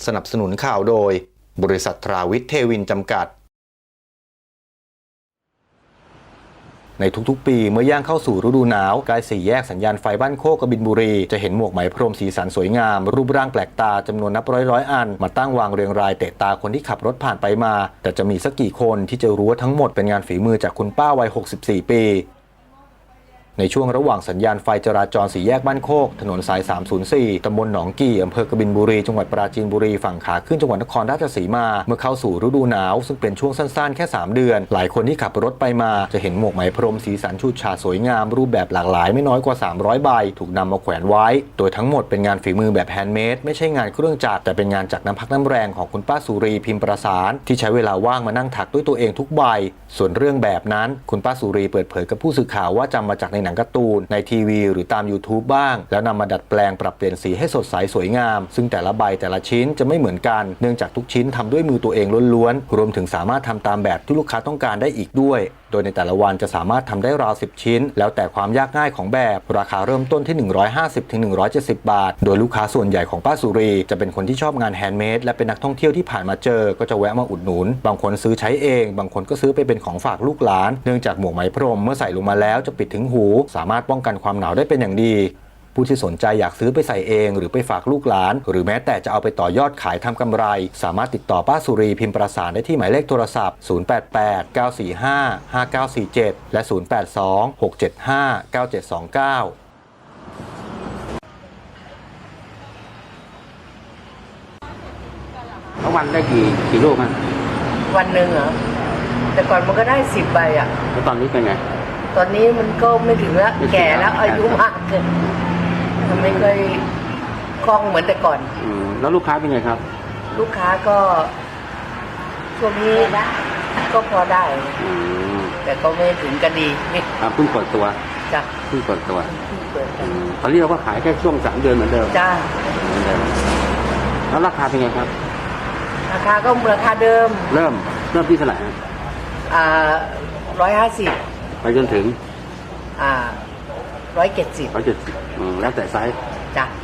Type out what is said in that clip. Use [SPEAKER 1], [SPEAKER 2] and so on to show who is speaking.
[SPEAKER 1] สนับสนุนข่าวโดยบริษัททราวิทย์เทวินจำกัดในทุกๆปีเมื่อย่างเข้าสู่ฤดูหนาวใกล้สี่แยกสัญญาณไฟบ้านโคกกบินบุรีจะเห็นหมวกไหมพรมสีสันสวยงามรูปร่างแปลกตาจำนวนนับร้อยอันมาตั้งวางเรียงรายเตะตาคนที่ขับรถผ่านไปมาแต่จะมีสักกี่คนที่จะรู้ว่าทั้งหมดเป็นงานฝีมือจากคุณป้าวัย64ปีในช่วงระหว่างสัญญาณไฟจราจรสี่แยกบ้านโคกถนนสาย304ตำบลหนองกี่อำเภอกบินบุรีจังหวัดปราจีนบุรีฝั่งขาขึ้นจังหวัดนครราชสีมาเมื่อเข้าสู่ฤดูหนาวซึ่งเป็นช่วงสั้นๆแค่3เดือนหลายคนที่ขับรถไปมาจะเห็นหมวกไหมพรมสีสันฉูดฉาดสวยงามรูปแบบหลากหลายไม่น้อยกว่า300ใบถูกนำมาแขวนไว้โดยทั้งหมดเป็นงานฝีมือแบบแฮนด์เมดไม่ใช่งานเครื่องจักรแต่เป็นงานจากน้ำพักน้ำแรงของคุณป้าสุรีพิมพ์ประสานที่ใช้เวลาว่างมานั่งถักด้วยตัวเองทุกใบส่วนเรื่องแบบนั้นคุณป้าสุรีเปิดเผยกับผู้สื่อข่าวว่าจำมาจากในหนังการ์ตูนในทีวีหรือตาม YouTube บ้างแล้วนำมาดัดแปลงปรับเปลี่ยนสีให้สดใสสวยงามซึ่งแต่ละใบแต่ละชิ้นจะไม่เหมือนกันเนื่องจากทุกชิ้นทำด้วยมือตัวเองล้วนๆรวมถึงสามารถทำตามแบบที่ลูกค้าต้องการได้อีกด้วยโดยในแต่ละวันจะสามารถทำได้ราว10ชิ้นแล้วแต่ความยากง่ายของแบบราคาเริ่มต้นที่150-170 บาทโดยลูกค้าส่วนใหญ่ของป้าสุรีจะเป็นคนที่ชอบงานแฮนด์เมดและเป็นนักท่องเที่ยวที่ผ่านมาเจอก็จะแวะมาอุดหนุนบางคนซื้อใช้เองบางคนก็ซื้อไปเป็นของฝากลูกหลานเนื่องจากหมวกไหมพรมเมื่อใส่ลงมาแล้วจะปิดถึงหูสามารถป้องกันความหนาวได้เป็นอย่างดีผู้ที่สนใจอยากซื้อไปใส่เองหรือไปฝากลูกหลานหรือแม้แต่จะเอาไปต่อยอดขายทำกำไรสามารถติดต่อป้าสุรีพิมพ์ประสานได้ที่หมายเลขโทรศัพท์088-945-5947และ082-675-9729
[SPEAKER 2] แล้ววันได้กี่ลูกมั้ง
[SPEAKER 3] วันหนึ่งเหรอแต่ก่อนมันก็ได้10 ใบอ่ะ
[SPEAKER 2] แล้วตอนนี้เป็นไง
[SPEAKER 3] ตอนนี้มันก็ไม่ถึงแล้วแก่แล้วอายุมากเกินมันไม่เคยคล่องเหมือนแต่ก่อน
[SPEAKER 2] แล้วลูกค้าเป็นไงครับ
[SPEAKER 3] ลูกค้าก็ช่วงนี้ก็พอได้แต่ก็ไม่ถึงกันดี
[SPEAKER 2] เพิ่งเปิดตัว
[SPEAKER 3] จ้ะ
[SPEAKER 2] เพิ่งเปิดตัวตอนนี้เราก็ขายแค่ช่วง3 เดือนเหมือนเดิม
[SPEAKER 3] จ้ะ
[SPEAKER 2] เหมือนเดิมแล้วราคาเป็นไงครับ
[SPEAKER 3] ราคาก็ราคาเดิม
[SPEAKER 2] เริ่มที่เท่าไหร่
[SPEAKER 3] 150
[SPEAKER 2] ไปจนถึง
[SPEAKER 3] 170
[SPEAKER 2] แล้วแต่ไซส์
[SPEAKER 3] จ้ะ